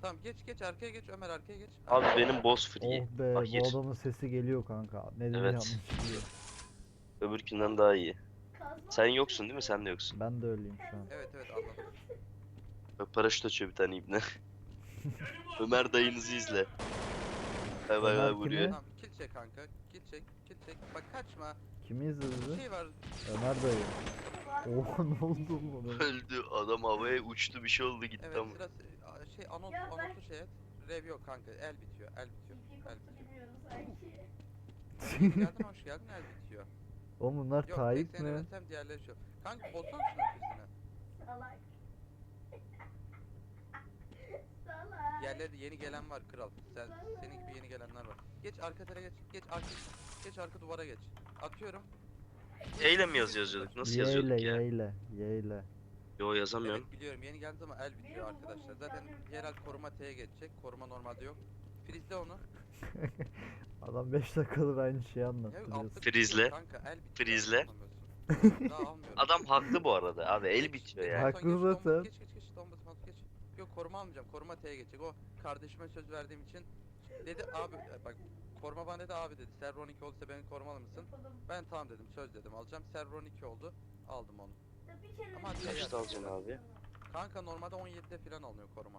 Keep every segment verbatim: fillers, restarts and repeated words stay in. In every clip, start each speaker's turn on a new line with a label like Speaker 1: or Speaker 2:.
Speaker 1: Tamam geç geç arkaya geç Ömer arkaya geç.
Speaker 2: Abi
Speaker 1: Arkaya.
Speaker 2: benim boss free.
Speaker 3: Oh be,
Speaker 2: Fakir.
Speaker 3: bu adamın sesi geliyor kanka. Ne dedi
Speaker 2: Evet.
Speaker 3: yanlış biliyor.
Speaker 2: Öbürkünden daha iyi. Sen yoksun değil mi? Sen de yoksun.
Speaker 3: Ben de öyleyim şu an.
Speaker 1: Evet evet anladım.
Speaker 2: Bak paraşüt açıyor bir tane ibne. Ömer dayınızı izle. Bay bay
Speaker 3: Ömer
Speaker 2: bay vuruyor.
Speaker 3: kimi?
Speaker 1: Tamam kill çek kanka. Kill çek kill çek. Bak kaçma.
Speaker 3: Kimi
Speaker 1: Bir
Speaker 3: izledi?
Speaker 1: şey var.
Speaker 3: Ömer dayı. Oha ne oldu buna?
Speaker 2: Öldü. Adam havaya uçtu bir şey oldu gitti
Speaker 1: Evet
Speaker 2: ama.
Speaker 1: sırası a, şey anons anonsu şey et. Rev yok kanka el bitiyor el bitiyor. El bitiyor. Geldin hoş geldin el bitiyor.
Speaker 3: Oğlum bunlar
Speaker 1: Yok
Speaker 3: Tayyip
Speaker 1: tek seni
Speaker 3: mi?
Speaker 1: öğretsem diğerleri şu. Kanka bozsana şunu füzünü.
Speaker 4: Salak. Salak.
Speaker 1: Diğerleri de yeni gelen var kral. Sen senin gibi yeni gelenler var. Geç arka tere geç. Geç arka geç arka duvara geç. Atıyorum.
Speaker 2: Eyle mi yaz yazıyorduk? Nasıl
Speaker 3: Yeyle
Speaker 2: yazıyorduk ya?
Speaker 3: yeyle yeyle.
Speaker 2: Yo yazamıyorum.
Speaker 1: Evet biliyorum yeni geldi ama el bitiyor arkadaşlar. Zaten yerel koruma T'ye geçecek. Koruma normalde yok. Frizle onu.
Speaker 3: Adam beş dakikadır aynı şeyi
Speaker 1: Ya
Speaker 3: anlattı
Speaker 1: altta
Speaker 3: diyorsun.
Speaker 2: Frizle.
Speaker 1: bitiyor kanka el bitiyor.
Speaker 2: Frizle.
Speaker 1: Anlamıyorsun. Daha almıyorum.
Speaker 2: Adam haklı bu arada abi el bitiyor yani.
Speaker 3: Haklı
Speaker 1: Son geç,
Speaker 3: zaten.
Speaker 1: Geç geç geç Donbas mat geç. Yok koruma almayacağım. Koruma T'ye geçecek. O kardeşime söz verdiğim için dedi abi bak koruma bana dedi abi dedi. Server on iki olursa beni korumalı mısın? Ben tamam dedim söz dedim alacağım. Server on iki oldu. Aldım onu. Ama şey
Speaker 2: Kaçta
Speaker 1: yaptı.
Speaker 2: alacaksın abi?
Speaker 1: Kanka normalde on yedide falan alınıyor koruma.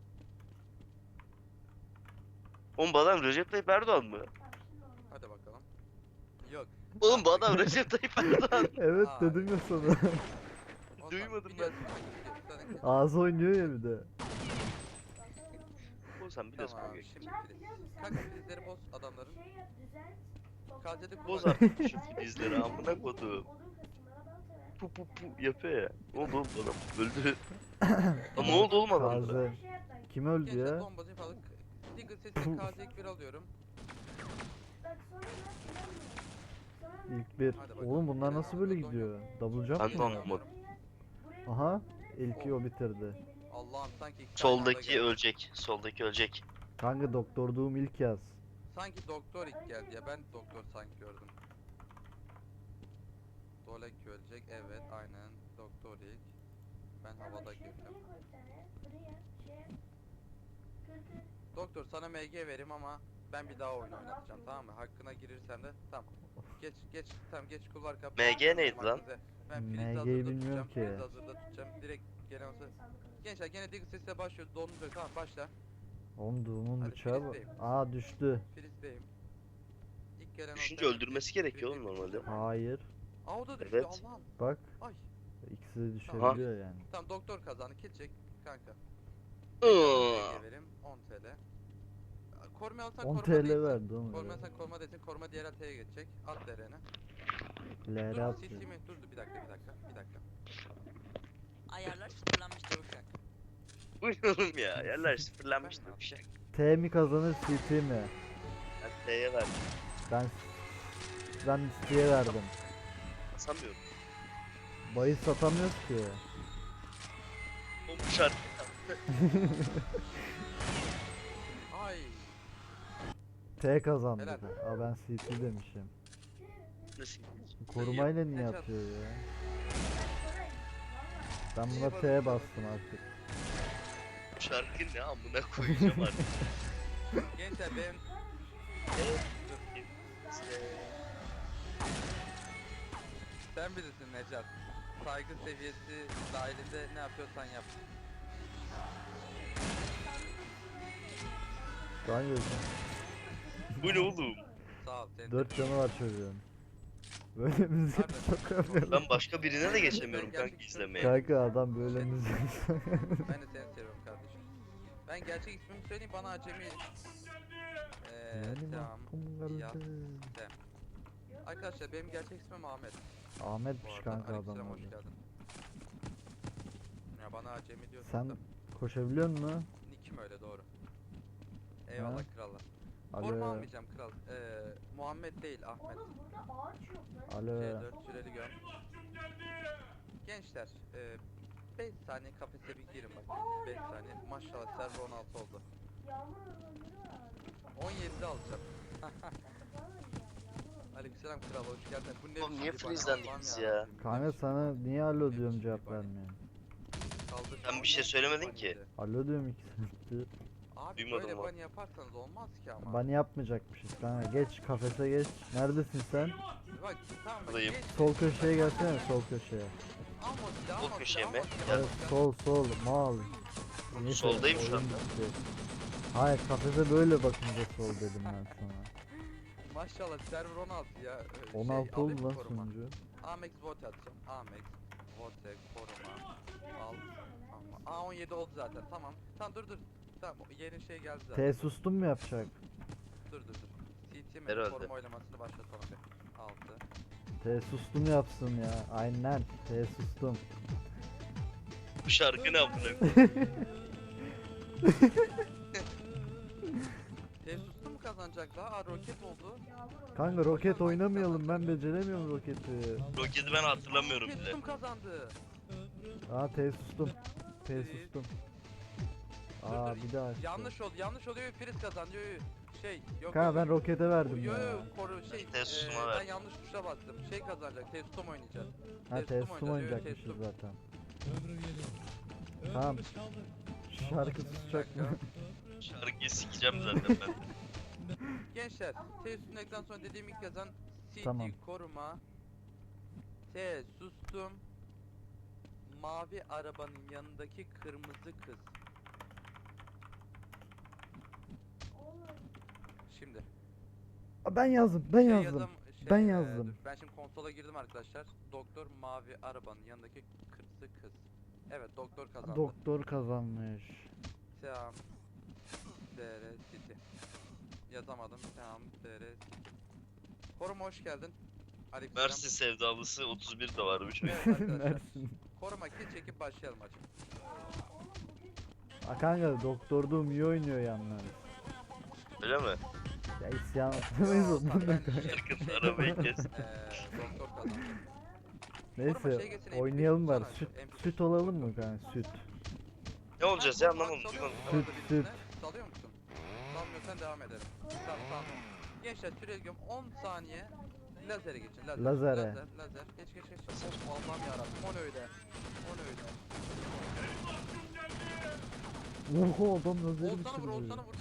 Speaker 2: Oğlum bu adam Recep Tayyip Erdoğan mı?
Speaker 1: Hadi bakalım. Yok.
Speaker 2: Oğlum bu adam Recep Tayyip Erdoğan.
Speaker 3: Evet
Speaker 1: Aa,
Speaker 3: dedim ya sana.
Speaker 1: Ondan
Speaker 2: Duymadım ben.
Speaker 1: biliyorsun kanka, zaten-
Speaker 3: Ağzı oynuyor ya bir de.
Speaker 2: Oğlum sen biliyorsun
Speaker 1: Tamam
Speaker 2: kanka.
Speaker 1: şimdi filiz. Kanka filizleri boz adamların.
Speaker 4: Şey yap, düzelt.
Speaker 1: Kazede
Speaker 2: Boz
Speaker 1: kullan.
Speaker 2: artık şu filizleri amına kodum. Pu pu pu yapıyor ya. Ne oldu oğlum bu adam? Öldü. Lan ne oldu oğlum adamlara?
Speaker 3: Taze. Kim öldü
Speaker 1: Gençler
Speaker 3: ya?
Speaker 1: bombacı falan. Diggle sesi K Z bir alıyorum.
Speaker 3: İlk bir.
Speaker 1: Hadi bakalım.
Speaker 3: Oğlum bunlar nasıl böyle gidiyor? Double jump
Speaker 2: Ben de
Speaker 3: mı?
Speaker 2: anlamadım.
Speaker 3: Aha. İlki o bitirdi.
Speaker 1: Allah'ım sanki iki tane anda
Speaker 2: Soldaki
Speaker 1: geldi.
Speaker 2: ölecek. Soldaki ölecek.
Speaker 3: Kanka doktorduğum ilk yaz.
Speaker 1: Sanki doktor ilk geldi ya ben doktor sanki gördüm. Dolek ölecek evet aynen doktor ilk. Ben havada girdim. Doktor sana M G vereyim ama ben bir daha oyun oynatacağım tamam mı? Hakkına girirsen de tamam. Geç geç tamam geç kulvar kapı.
Speaker 2: M G neydi lan?
Speaker 1: Ben
Speaker 3: M
Speaker 1: Filiz'i
Speaker 3: G'yi
Speaker 1: hazırda
Speaker 3: bilmiyorum
Speaker 1: tutacağım.
Speaker 3: ki.
Speaker 1: Filiz'i hazırda tutacağım. Direkt gelen olsa. Gençler gene Diggle sesle başlıyor. Dondu böyle tamam başla.
Speaker 3: Oğlum doğumun
Speaker 1: Hadi
Speaker 3: bıçağı bu.
Speaker 1: Filiz'deyim.
Speaker 3: Aa düştü.
Speaker 1: Filiz'deyim. İlk gelen
Speaker 2: Düşünce
Speaker 1: olsa-
Speaker 2: öldürmesi gerekiyor oğlum
Speaker 1: Filiz'deyim.
Speaker 2: normalde.
Speaker 3: Hayır.
Speaker 1: Aa o da düştü
Speaker 2: Evet.
Speaker 1: Allah'ım.
Speaker 3: Bak.
Speaker 1: Ay.
Speaker 3: İkisi de düşebiliyor yani.
Speaker 1: Tamam doktor kazandı. Kill çek kanka.
Speaker 2: Iıı.
Speaker 1: M G vereyim on T L. Koruma alsan
Speaker 3: on
Speaker 1: koruma
Speaker 3: T L
Speaker 1: değilsin.
Speaker 3: verdi oğlum.
Speaker 1: Koruma alsan koruma değilsin. Koruma diğer T'ye geçecek. At derene.
Speaker 3: L R
Speaker 1: Dur
Speaker 3: atıyor.
Speaker 1: C C mi? Dur dur bir dakika bir dakika bir dakika.
Speaker 5: Ayarlar sıfırlanmıştır uşak.
Speaker 2: Buyurun ya. Yerler sıfırlanmıştı bir şey.
Speaker 3: T mi kazanır C T mi?
Speaker 2: Ben T'ye verdim.
Speaker 3: Ben ben C'ye verdim.
Speaker 2: Basamıyorum.
Speaker 3: Bayı satamıyoruz ki.
Speaker 2: Oğlum bu şarkı.
Speaker 1: Ay.
Speaker 3: T kazandı.
Speaker 1: Helal.
Speaker 3: Aa ben C T demişim.
Speaker 2: Nasıl?
Speaker 3: Korumayla niye
Speaker 1: Necat.
Speaker 3: atıyor ya? Ben
Speaker 1: İyi
Speaker 3: buna
Speaker 1: bak-
Speaker 3: T'ye bastım artık.
Speaker 2: Bu şarkı ne amına koyacağım artık.
Speaker 1: Gençler ben sen bilirsin Necat. Saygı seviyesi dahilinde ne yapıyorsan yap.
Speaker 3: Daha gördüm.
Speaker 2: Bu ne oğlum?
Speaker 1: Sağ ol. Senin de-
Speaker 3: Dört canı var çocuğun. Böyle müzik
Speaker 1: Harbi.
Speaker 3: sokamıyorum.
Speaker 2: Ben başka birine de geçemiyorum
Speaker 1: Ben
Speaker 2: kanka
Speaker 1: gerçek-
Speaker 2: izlemeye.
Speaker 3: Kanka adam böyle müzik
Speaker 1: Ben de seni seviyorum kardeşim. Ben gerçek ismimi söyleyeyim bana acemi. Eee
Speaker 3: Benim
Speaker 1: tamam.
Speaker 3: aklım
Speaker 1: Ya.
Speaker 3: kaldı.
Speaker 1: Arkadaşlar benim gerçek ismim Ahmet. Bu
Speaker 3: Ahmetmiş
Speaker 1: arada
Speaker 3: kanka adam
Speaker 1: aleykümselam, hoş
Speaker 3: orada.
Speaker 1: geldin. Ya bana acemi diyorsun
Speaker 3: Sen
Speaker 1: da.
Speaker 3: koşabiliyor musun?
Speaker 1: Nick'im öyle doğru. Eyvallah
Speaker 3: Ha?
Speaker 1: krallar. Forma
Speaker 3: Alo.
Speaker 1: almayacağım kral. Ee, Muhammed değil Ahmet.
Speaker 4: Oğlum burada ağaç yok lan.
Speaker 3: Alo.
Speaker 1: C dört süreli göm. Gençler beş saniye kafese bir girin bak. beş saniye. Maşallah server on altı oldu.
Speaker 4: Yağmur ormanları var.
Speaker 1: on yedide alacağım. Aleykümselam kral hoş geldin. Bu ne
Speaker 2: Oğlum niye
Speaker 1: biçim bir
Speaker 2: freezelendik
Speaker 1: Allah'ım
Speaker 2: biz
Speaker 1: yarabbim,
Speaker 2: ya?
Speaker 1: bu ne
Speaker 3: Kanka
Speaker 1: biçim
Speaker 3: sana
Speaker 1: bir-
Speaker 3: niye alo
Speaker 1: ne
Speaker 3: diyorum
Speaker 1: biçim
Speaker 3: cevap
Speaker 1: bir bani?
Speaker 3: vermiyorsun?
Speaker 1: Kaldır
Speaker 2: Ben bir şey
Speaker 1: kaldır,
Speaker 2: söylemedim
Speaker 1: bani
Speaker 2: ki.
Speaker 1: de.
Speaker 3: Alo diyorum iki saattir.
Speaker 1: Abi
Speaker 2: Duymadım
Speaker 1: böyle
Speaker 2: lan.
Speaker 1: bunny yaparsanız olmaz ki ama.
Speaker 3: Bunny yapmayacakmışız kanka. Geç kafese geç. Neredesin sen?
Speaker 1: Bak tamam bak
Speaker 2: Buradayım.
Speaker 1: geç.
Speaker 3: Sol köşeye gelsene, sol köşeye.
Speaker 1: Alma silahı,
Speaker 2: Sol
Speaker 1: alma
Speaker 2: köşeye
Speaker 1: silahı,
Speaker 2: mi?
Speaker 1: alma silahı,
Speaker 2: Gel.
Speaker 3: Evet,
Speaker 1: alma silahı.
Speaker 3: sol sol mal. Neyse,
Speaker 2: Soldayım şu
Speaker 3: oyun
Speaker 2: anda.
Speaker 3: bitti. Hayır, kafese böyle bakınca sol dedim ben sana.
Speaker 1: Maşallah server on altı ya. Ee,
Speaker 3: on
Speaker 1: şey,
Speaker 3: altı
Speaker 1: alayım
Speaker 3: oldu
Speaker 1: mı
Speaker 3: lan
Speaker 1: koruma?
Speaker 3: sunucu.
Speaker 1: Amex vote atacağım. Amex vote koruma. Al. Ama A on yedi oldu zaten. Tamam. Tamam dur dur. Tamam o yeni şey geldi zaten.
Speaker 3: T sustum mu yapacak?
Speaker 1: Dur dur dur. C T mi?
Speaker 2: Herhalde.
Speaker 1: Koruma oylamasını başlatalım bir. altı.
Speaker 3: T sustum yapsın ya. Aynen. T sustum.
Speaker 2: Bu şarkı ne amına?
Speaker 1: T sustu mu kazanacak daha? Aa roket oldu.
Speaker 3: Kanka roket oynamayalım, ben beceremiyorum roketi.
Speaker 2: Roketi ben hatırlamıyorum bile.
Speaker 1: Testum kazandı.
Speaker 3: Aa T sustum. T
Speaker 1: Ee,
Speaker 3: sustum.
Speaker 1: dur,
Speaker 3: Aa
Speaker 1: dur,
Speaker 3: bir daha açtı.
Speaker 1: Yanlış oldu. Yanlış oluyor. Friz kazandı. Yo, yo. Şey yok.
Speaker 3: Kanka
Speaker 1: yok,
Speaker 3: ben
Speaker 1: yok.
Speaker 3: rokete verdim
Speaker 1: Yo
Speaker 3: ya.
Speaker 1: yo koru şey.
Speaker 2: Testum'a
Speaker 1: eee,
Speaker 2: ver.
Speaker 1: ben yanlış tuşa bastım. Şey kazanacak. Testum oynayacağız.
Speaker 3: Ha T
Speaker 1: Testum
Speaker 3: sustum
Speaker 1: oynayacağız,
Speaker 3: oynayacakmışız
Speaker 1: Testum.
Speaker 3: zaten. Tamam. Şarkı susacak mı?
Speaker 2: Şarkıyı sikeceğim zaten ben.
Speaker 1: Gençler, T üstündekten sonra dediğim ilk yazan C D
Speaker 3: Tamam.
Speaker 1: koruma. T sustum. Mavi arabanın yanındaki kırmızı kız. Şimdi.
Speaker 3: Aa, ben yazdım, ben
Speaker 1: şey
Speaker 3: yazdım.
Speaker 1: yazam- şey,
Speaker 3: ben
Speaker 1: eee,
Speaker 3: yazdım.
Speaker 1: dur, ben şimdi konsola girdim arkadaşlar. Doktor mavi arabanın yanındaki kırmızı kız. Evet doktor kazandı.
Speaker 3: Doktor kazanmış.
Speaker 1: Seam D R City. Yazamadım. Seam D R City. Koruma hoş geldin. Aleykümselam.
Speaker 2: Mersin sevdalısı otuz bir de varmış.
Speaker 1: Evet arkadaşlar.
Speaker 3: Mersin.
Speaker 1: Koruma kill çekip başlayalım hacım.
Speaker 3: Aa, kanka doktorluğum iyi oynuyor yalnız.
Speaker 2: Öyle mi?
Speaker 3: Ya isyan etmeyiz
Speaker 1: Yo,
Speaker 3: ondan da
Speaker 1: ben
Speaker 3: kanka.
Speaker 1: şey-
Speaker 2: Şarkının arabayı kes.
Speaker 1: Eee doktor kazandı.
Speaker 3: Neyse
Speaker 1: şey geçsin, M P beş
Speaker 3: oynayalım bari.
Speaker 1: tutsana,
Speaker 3: Süt,
Speaker 1: M P beş
Speaker 3: süt olalım mı kanka? Süt.
Speaker 2: Ne olacağız ya anlamadım
Speaker 1: Salıyor
Speaker 2: duymadım.
Speaker 1: musun?
Speaker 3: Süt,
Speaker 1: Orada
Speaker 3: süt.
Speaker 1: birisine Salıyor musun? Salmıyorsan devam edelim. Tamam tamam. Gençler süre gidiyorum on saniye. Lazere geçin. Lazer.
Speaker 3: Lazere.
Speaker 1: Lazer. Lazer. Geç geç geç. Of Allah'ım yarabbim. O ne öyle? O ne öyle?
Speaker 3: Oho adam nazarı
Speaker 1: Olsana vur
Speaker 3: bitirdi.
Speaker 1: olsana vur.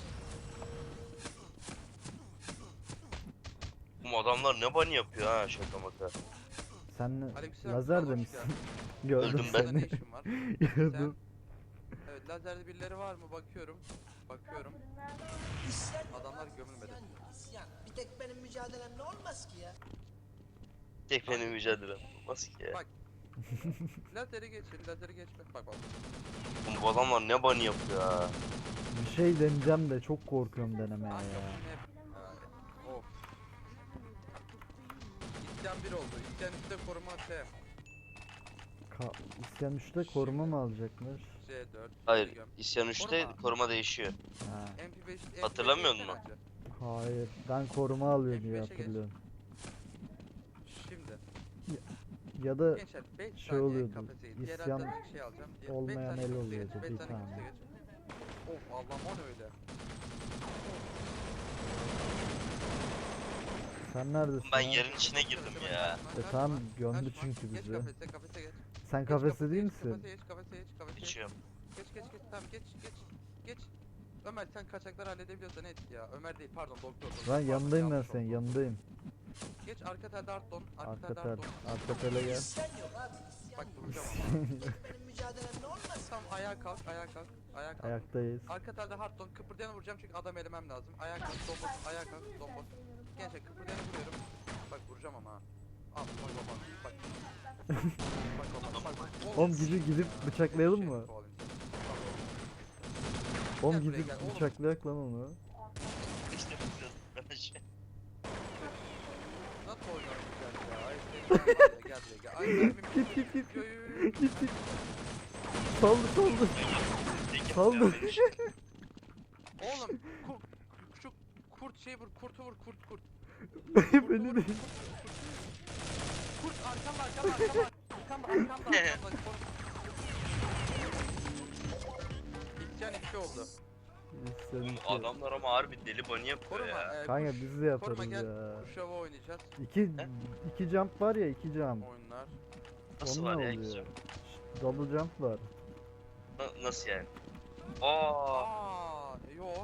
Speaker 2: Bu adamlar ne bunny yapıyor ha şaka maka.
Speaker 3: Sen
Speaker 1: Aleykümselam,
Speaker 3: lazer
Speaker 1: hoş
Speaker 3: demişsin.
Speaker 1: geldin.
Speaker 3: Gördüm
Speaker 2: Öldüm ben.
Speaker 1: Sende ne
Speaker 3: seni.
Speaker 1: işin var?
Speaker 3: Gördüm.
Speaker 1: Evet lazerde birileri var mı? Bakıyorum. Bakıyorum.
Speaker 6: İsyan yok
Speaker 1: Adamlar
Speaker 6: abi,
Speaker 1: gömülmedi.
Speaker 6: isyan yok, isyan. Bir tek benim mücadelemle olmaz ki ya.
Speaker 2: Tek benim mücadelem. Olmaz ki ya.
Speaker 1: Bak. Lazeri geçin. Lazeri geçme. Bak bak.
Speaker 2: Oğlum bu adamlar ne bunny yapıyor ha.
Speaker 3: Bir şey deneyeceğim de çok korkuyorum denemeye
Speaker 1: Kanka
Speaker 3: ya.
Speaker 1: bu ne? Ha, Of. İsyan bir oldu. İsyan üçte koruma T.
Speaker 3: Ka İsyan üçte koruma mı alacakmış?
Speaker 1: C dört.
Speaker 2: Hayır
Speaker 1: göm.
Speaker 2: isyan üçte
Speaker 1: Koruma.
Speaker 2: koruma değişiyor.
Speaker 3: Ha.
Speaker 1: M P beş. M P beş
Speaker 2: Hatırlamıyor
Speaker 1: geçsene
Speaker 2: musun?
Speaker 1: önce.
Speaker 3: Hayır. Ben koruma alıyor
Speaker 1: F
Speaker 3: diye
Speaker 1: beşe geç.
Speaker 3: hatırlıyorum.
Speaker 1: Şimdi.
Speaker 3: Ya da
Speaker 1: Gençler beş
Speaker 3: şey
Speaker 1: saniye
Speaker 3: oluyordu,
Speaker 1: kafese git. Diğer
Speaker 3: isyan
Speaker 1: haritada şey alacağım. Diğer- beş
Speaker 3: olmayan
Speaker 1: saniye
Speaker 3: el
Speaker 1: kafese
Speaker 3: oluyordu,
Speaker 1: geç, beş
Speaker 3: bir
Speaker 1: saniye
Speaker 3: tane.
Speaker 1: kafese geç. Of Allah'ım o ne öyle?
Speaker 3: sen neredesin?
Speaker 2: Ben
Speaker 3: ha?
Speaker 2: yerin içine girdim ya.
Speaker 3: E tamam gömdü
Speaker 1: Kaçma.
Speaker 3: çünkü
Speaker 1: Geç
Speaker 3: bizi.
Speaker 1: kafese kafese geç.
Speaker 3: Sen
Speaker 1: Geç
Speaker 3: kafeste değil
Speaker 1: geç,
Speaker 3: misin?
Speaker 1: Kafese geç kafese geç kafese geç.
Speaker 2: Geçiyorum.
Speaker 1: Geç geç geç tamam geç geç geç. Ömer sen kaçakları halledebiliyorsan et ya. Ömer değil pardon doktor. doktor.
Speaker 3: Ben
Speaker 1: Pardon,
Speaker 3: yanındayım ben
Speaker 1: yanlış
Speaker 3: senin
Speaker 1: oldu.
Speaker 3: yanındayım.
Speaker 1: Geç arka telde Arton. Arka
Speaker 3: Arka
Speaker 1: telde
Speaker 3: tel.
Speaker 1: Arton.
Speaker 3: Arka tele gel.
Speaker 6: İsyan yok abi, isyan
Speaker 1: Bak
Speaker 6: yok.
Speaker 1: vuracağım ama.
Speaker 6: Bir tek benim mücadelemle olmaz.
Speaker 1: Tamam ayağa kalk ayağa kalk. Ayağa kalk.
Speaker 3: Ayaktayız.
Speaker 1: Arka telde Hardton kıpırdayanı vuracağım çünkü adam elemem lazım. Ayağa kalk dombos ayağa kalk dombos. Gençler kıpırdayanı vuruyorum. Bak vuracağım ama. ha. Al bak bak bak. Bak. Bak bak bak bak.
Speaker 3: Oğlum gidip gidip bıçaklayalım
Speaker 1: Şey,
Speaker 3: mı?
Speaker 1: kovalayayım seni.
Speaker 3: Oğlum
Speaker 1: Gel buraya
Speaker 3: gidip
Speaker 1: gel, oğlum.
Speaker 3: bıçaklayak lan onu.
Speaker 2: İşte bu şey.
Speaker 1: Nasıl oynuyorsun güzel ya? Ay seni var ya, gel buraya gel. Ay mermim.
Speaker 3: Git git git
Speaker 1: Yo,
Speaker 3: git.
Speaker 1: yo, yo, yo.
Speaker 3: Git git. Saldı saldı. Saldı.
Speaker 1: Oğlum kurt, şu kurt şey vur kurtu vur kurt kurt.
Speaker 3: Beni de.
Speaker 1: Kurt arkamda arkamda arkamda arkamda arkamda arkamda kurt. İsyan iki oldu.
Speaker 3: Sen
Speaker 2: Oğlum
Speaker 3: iki.
Speaker 2: adamlar ama harbi deli bunny yapıyor
Speaker 1: Koruma.
Speaker 2: ya.
Speaker 1: E,
Speaker 3: Kanka
Speaker 1: kuş,
Speaker 3: biz de yaparız
Speaker 1: koruma gel.
Speaker 3: ya.
Speaker 1: Kuşava oynayacağız.
Speaker 3: İki, iki jump var ya iki jump.
Speaker 1: Oyunlar.
Speaker 2: Nasıl
Speaker 3: Onunla
Speaker 2: var ya
Speaker 3: oluyor.
Speaker 2: güzel.
Speaker 3: Double jump var.
Speaker 2: Na- nasıl yani? Aa,
Speaker 1: Aa, yo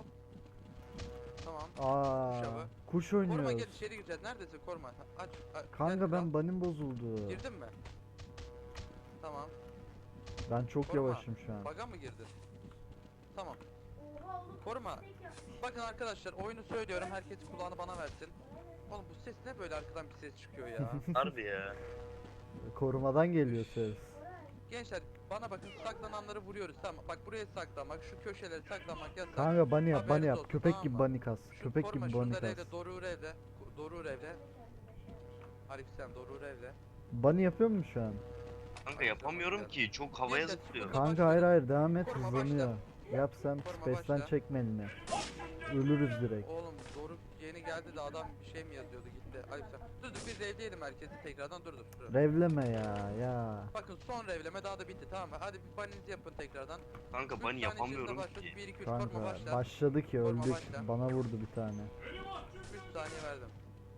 Speaker 3: Aa,
Speaker 1: Kuşa bak.
Speaker 3: kuş
Speaker 1: Koruma gel
Speaker 3: oynuyoruz.
Speaker 1: içeri gireceğiz. Neredesin koruma? Ha, Aç. aç
Speaker 3: Kanka
Speaker 1: gel,
Speaker 3: ben
Speaker 1: al.
Speaker 3: banim bozuldu.
Speaker 1: Girdin mi? Tamam.
Speaker 3: Ben çok
Speaker 1: Koruma.
Speaker 3: yavaşım şu an.
Speaker 1: Baga mı girdin? Tamam.
Speaker 4: Oha oğlum.
Speaker 1: Koruma.
Speaker 4: tek yapmış.
Speaker 1: Bakın arkadaşlar oyunu söylüyorum. Herkes kulağını bana versin. Oğlum bu ses ne böyle arkadan bir ses çıkıyor ya.
Speaker 2: Harbi ya.
Speaker 3: Korumadan geliyor ses.
Speaker 1: Gençler bana bakın saklananları vuruyoruz tamam. Bak buraya saklanmak, şu köşeleri saklanmak yasak.
Speaker 3: Kanka bunny yap, bunny
Speaker 1: Haberiniz
Speaker 3: yap.
Speaker 1: olsun,
Speaker 3: Köpek
Speaker 1: tamam
Speaker 3: gibi
Speaker 1: mı?
Speaker 3: bunny kas.
Speaker 1: Şu
Speaker 3: Köpek
Speaker 1: koruma,
Speaker 3: gibi bunny
Speaker 1: şunları
Speaker 3: kas.
Speaker 1: evle, Dorur evle. Dorur evle. Aleykümselam Dorur evle.
Speaker 3: Bunny yapıyor mu şu an?
Speaker 2: Kanka yapamıyorum ki. Çok havaya
Speaker 1: Neyse,
Speaker 2: zıplıyor.
Speaker 1: sıkıntı-
Speaker 3: Kanka hayır hayır devam et,
Speaker 1: Koruma
Speaker 3: hızlanıyor. Yap sen
Speaker 1: Koruma
Speaker 3: space'den
Speaker 1: başla.
Speaker 3: çekme elini. Ölürüz direkt.
Speaker 1: Oğlum Doruk yeni geldi de adam bir şey mi yazıyordu gitti. Aleykümselam. Dur dur biz evleyelim herkesi tekrardan dur dur. dur.
Speaker 3: Revleme ya ya.
Speaker 1: Bakın son revleme daha da bitti tamam mı? Hadi bir baninizi yapın tekrardan.
Speaker 2: Kanka
Speaker 1: Üç
Speaker 2: bunny
Speaker 1: saniye
Speaker 2: yapamıyorum
Speaker 1: içerisinde başladı.
Speaker 2: ki.
Speaker 1: bir iki üç koruma
Speaker 3: Kanka
Speaker 1: başla.
Speaker 3: başladı ki
Speaker 1: Koruma
Speaker 3: öldük.
Speaker 1: başla.
Speaker 3: Bana vurdu bir tane.
Speaker 1: üç saniye verdim.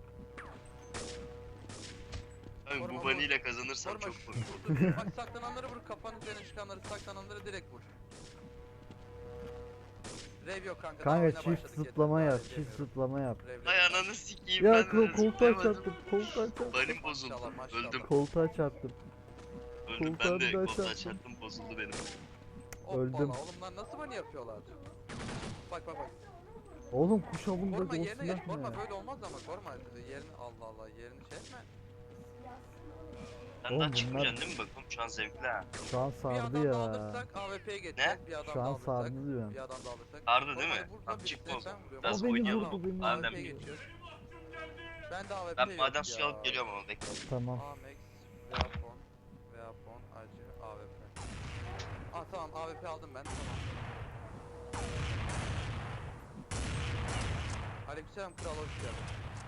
Speaker 2: Kanka
Speaker 1: Koruma
Speaker 2: bu
Speaker 1: vur.
Speaker 2: bunny ile kazanırsam
Speaker 1: Koruma
Speaker 2: çok
Speaker 1: şu-
Speaker 2: korkuyorum.
Speaker 1: dur, dur. Bak saklananları vur kafanın üzerine çıkanları saklananları direkt vur. Rev yok kanka. daha
Speaker 3: Kanka
Speaker 1: oyuna
Speaker 3: çift
Speaker 1: başladık, yeter,
Speaker 3: zıplama
Speaker 1: daha
Speaker 3: yap,
Speaker 1: rev
Speaker 3: çift
Speaker 1: demiyorum.
Speaker 3: zıplama yap.
Speaker 1: Rev, rev.
Speaker 2: Ay ananı sikeyim
Speaker 3: Ya
Speaker 2: ben
Speaker 3: kol-
Speaker 2: de
Speaker 3: koltuğa
Speaker 2: zıplayamadım.
Speaker 3: çarptım, koltuğa çarptım.
Speaker 2: Bunny'm bozuldu.
Speaker 1: Maşallah, maşallah.
Speaker 2: Öldüm.
Speaker 3: Koltuğa çarptım.
Speaker 2: Öldüm
Speaker 3: koltuğa
Speaker 2: ben de
Speaker 3: bir daha
Speaker 2: koltuğa
Speaker 3: çarptım.
Speaker 2: çarptım bozuldu benim.
Speaker 1: Hoppala,
Speaker 3: öldüm.
Speaker 1: oğlum lan nasıl bana yapıyorlar? Bak bak bak.
Speaker 3: Oğlum kuş avında
Speaker 1: Koruma
Speaker 3: o
Speaker 1: yerine geç.
Speaker 3: silah
Speaker 1: Koruma
Speaker 3: ne?
Speaker 1: böyle olmaz ama koruma yerini Allah Allah yerini şey etme.
Speaker 2: Sen
Speaker 3: Oğlum
Speaker 2: daha
Speaker 3: bunlar-
Speaker 2: çıkmayacaksın değil mi? Bakalım şu an zevkli ha.
Speaker 3: Şu an
Speaker 1: Bir
Speaker 3: sardı
Speaker 1: adam da
Speaker 3: ya.
Speaker 1: alırsak A W P'ye geçeceğiz. Bir adam
Speaker 3: Şu
Speaker 1: da
Speaker 3: an
Speaker 1: alırsak.
Speaker 3: sardı diyorum.
Speaker 1: Bir adam da alırsak.
Speaker 2: Sardı değil
Speaker 1: Koruma
Speaker 2: mi?
Speaker 1: vur da
Speaker 2: Tamam,
Speaker 1: birisine
Speaker 2: çıkma o zaman.
Speaker 1: ben vuruyorum.
Speaker 2: Biraz
Speaker 3: O beni
Speaker 2: oynayalım.
Speaker 3: vurdu, beni
Speaker 1: A
Speaker 3: vurdu.
Speaker 1: W P'ye geçiyoruz. Ben de A W P
Speaker 2: Ben
Speaker 1: yok
Speaker 2: maden
Speaker 1: ya.
Speaker 2: suyu alıp geliyorum ama bekle.
Speaker 3: Tamam.
Speaker 1: Amex, Veapon, Veapon, acı, A W P. Ah tamam A W P aldım ben tamam. Aleykümselam kral hoş geldin.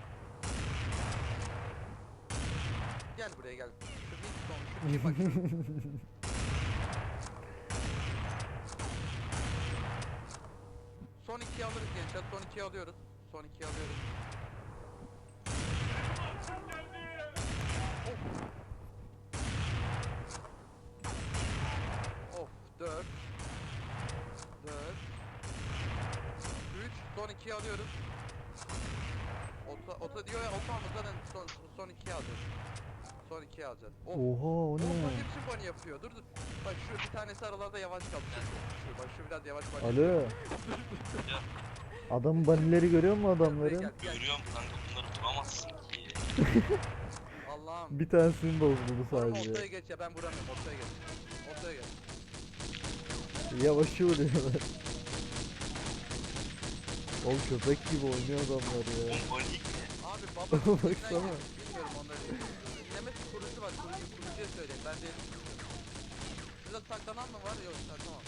Speaker 1: Gel buraya gel. Şu Winston, şu kim bak şu. Son ikiyi alırız gençler. Son ikiyi alıyoruz. Son ikiyi alıyoruz. Of. Of. dört. dört. üç. Son ikiyi alıyoruz. Ota, ota diyor ya ota mı zaten son, son ikiyi alacağız. Son ikiyi alacağız. Of.
Speaker 3: Oha o
Speaker 1: Oğlum bak
Speaker 3: ne?
Speaker 1: hepsi bunny yapıyor. Dur dur. Bak şu bir tanesi aralarda yavaş kaldı. Şu, bak şu biraz yavaş bak.
Speaker 3: Alo. Adamın banileri görüyor musun adamların?
Speaker 1: Gel, gel.
Speaker 2: Görüyorum kanka bunları tutamazsın ki.
Speaker 1: Allah'ım.
Speaker 3: Bir tanesini bozuldu
Speaker 1: Koruma
Speaker 3: sadece.
Speaker 1: ortaya geç ya ben vuramıyorum ortaya geç. Ortaya geç.
Speaker 3: Yavaşı vuruyorlar. Oğlum köpek gibi oynuyor adamlar ya.
Speaker 2: Oğlum bunny ki.
Speaker 1: Abi baba
Speaker 3: Baksana.
Speaker 1: Baksana. Bilmiyorum onları. Dinlemesi kurucu var kurucu kurucuya söyleyeyim ben değilim. Şurada saklanan mı var yok tamam.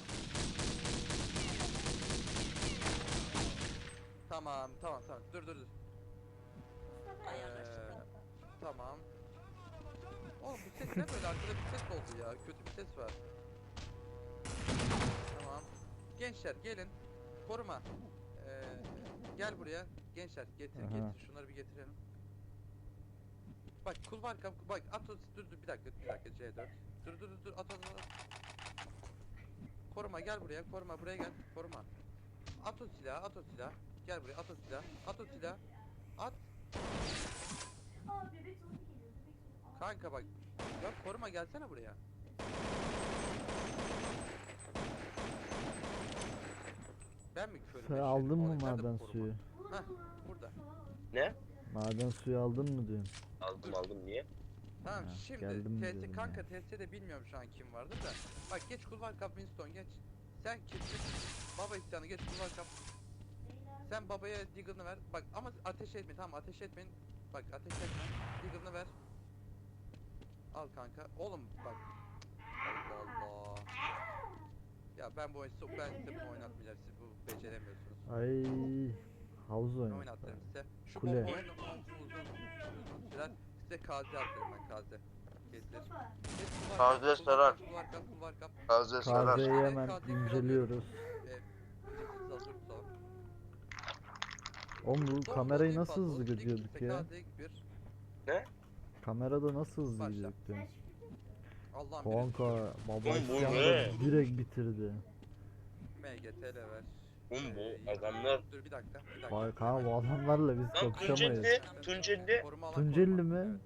Speaker 1: Tamam tamam tamam dur dur dur.
Speaker 5: Ayarlar
Speaker 1: Ee,
Speaker 5: çıktı.
Speaker 1: tamam. Oğlum bu ses ne böyle arkada bir ses oldu ya kötü bir ses var. Tamam. Gençler gelin. Koruma. Ee, gel buraya. Gençler getir
Speaker 3: Aha.
Speaker 1: getir şunları bir getirelim. Bak kulvar kap bak at o- dur dur bir dakika bir dakika C dört. Dur dur dur dur at at at. Koruma gel buraya koruma buraya gel koruma. At o silahı at o silahı. Gel buraya at o silahı at o silahı. At.
Speaker 4: Aa bebek sonu geliyor. Bebek sonu. Aa.
Speaker 1: Kanka bak. Ya koruma gelsene buraya. Ben mi körüm?
Speaker 3: Sen
Speaker 1: eşeğim?
Speaker 3: aldın mı
Speaker 1: Oğlum, nerede bu
Speaker 3: maden
Speaker 1: koruma?
Speaker 3: suyu?
Speaker 1: Hah burada.
Speaker 2: Ne?
Speaker 3: Maden suyu aldın mı diyorum.
Speaker 2: Aldım aldım niye?
Speaker 1: Tamam
Speaker 3: Ha,
Speaker 1: şimdi
Speaker 3: geldim
Speaker 1: T S
Speaker 3: diyorum
Speaker 1: kanka
Speaker 3: ya.
Speaker 1: T S'de bilmiyorum şu an kim vardı da. Bak geç kulvar kap Winston geç. Sen kimsin? Baba isyanı geç kulvar kap. Sen babaya Deagle'ını ver. Bak ama ateş etmeyin tamam ateş etmeyin. Bak ateş etme. Deagle'ını ver. Al kanka. Oğlum bak. Allah Allah. Ya ben bu oyunu ben size bunu oynatmayacağım siz bu beceremiyorsunuz.
Speaker 3: Ay havuz
Speaker 1: Ne
Speaker 3: oyunu.
Speaker 1: oynattırım size? Şu
Speaker 3: Kule.
Speaker 1: bomba oyunu uzun uzun sürer. Size kaze atarım ben kaze. Getir.
Speaker 4: Mustafa.
Speaker 1: Geç kulvar
Speaker 2: Kaze
Speaker 1: kap,
Speaker 2: sarar.
Speaker 1: Kulvar kap kulvar kap.
Speaker 2: Taze
Speaker 3: Kazeyi
Speaker 1: sarar.
Speaker 3: hemen
Speaker 1: Kazeyi
Speaker 3: inceliyoruz.
Speaker 1: Ee, müziksiz hazır tutalım.
Speaker 3: Oğlum bu
Speaker 1: Doğru,
Speaker 3: kamerayı
Speaker 1: değil
Speaker 3: nasıl
Speaker 1: fazla,
Speaker 3: hızlı
Speaker 1: otuz iki
Speaker 3: gidiyorduk
Speaker 1: ise
Speaker 3: ya?
Speaker 1: kaze bir.
Speaker 3: Kamerada nasıl hızlı
Speaker 1: Başla.
Speaker 3: gidiyorduk diyorum.
Speaker 1: Allah'ım biri.
Speaker 3: Kanka baba
Speaker 2: Oğlum bu
Speaker 3: isyanı
Speaker 2: ne?
Speaker 3: direkt bitirdi.
Speaker 1: M G T L ver.
Speaker 2: Oğlum
Speaker 1: Ee,
Speaker 2: bu adamlar...
Speaker 1: Dur bir dakika. Bir dakika.
Speaker 3: Vay kanka bu adamlarla biz
Speaker 2: Lan
Speaker 3: kapışamayız.
Speaker 2: Tunceli, Tunceli.
Speaker 1: Koruma alan
Speaker 3: Tunceli
Speaker 1: koruma.
Speaker 3: mi?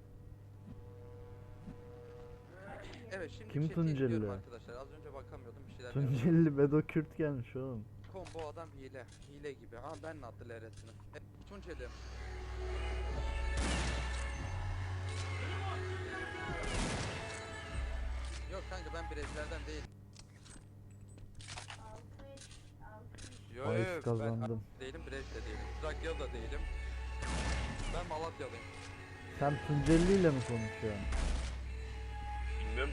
Speaker 1: Evet. Evet şimdi
Speaker 3: Kim
Speaker 1: chat'i
Speaker 3: Tunceli?
Speaker 1: izliyorum arkadaşlar. Az önce bakamıyordum bir şeyler. yapıyordum.
Speaker 3: Tunceli Bedo Kürt gelmiş oğlum.
Speaker 1: Combo adam hile. Hile gibi. Ama ben ne attı L R'sini. E, Tunceli. Yok kanka ben Brezler'den değilim.
Speaker 4: Altı, altı.
Speaker 1: Yok
Speaker 3: Bahis
Speaker 1: yok ben
Speaker 3: kazandım.
Speaker 1: değilim, Brez'de değilim. Trakyalı da değilim. Ben Malatyalıyım.
Speaker 3: Sen Tunceli ile mi konuşuyorsun?
Speaker 2: Bilmiyorum.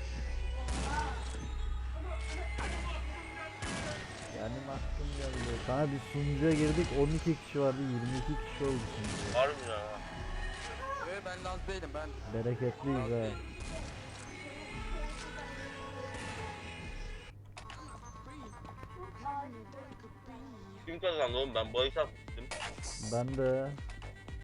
Speaker 3: Benim aklım geldi. Sana bir sunucuya girdik on iki kişi vardı yirmi iki kişi oldu şimdi.
Speaker 2: Harbi ya.
Speaker 1: Yok ben Laz değilim ben.
Speaker 3: Bereketliyiz
Speaker 1: Laz
Speaker 3: ha.
Speaker 1: değilim.
Speaker 2: Kim kazandı oğlum? Ben bahis atmıştım.
Speaker 3: Ben de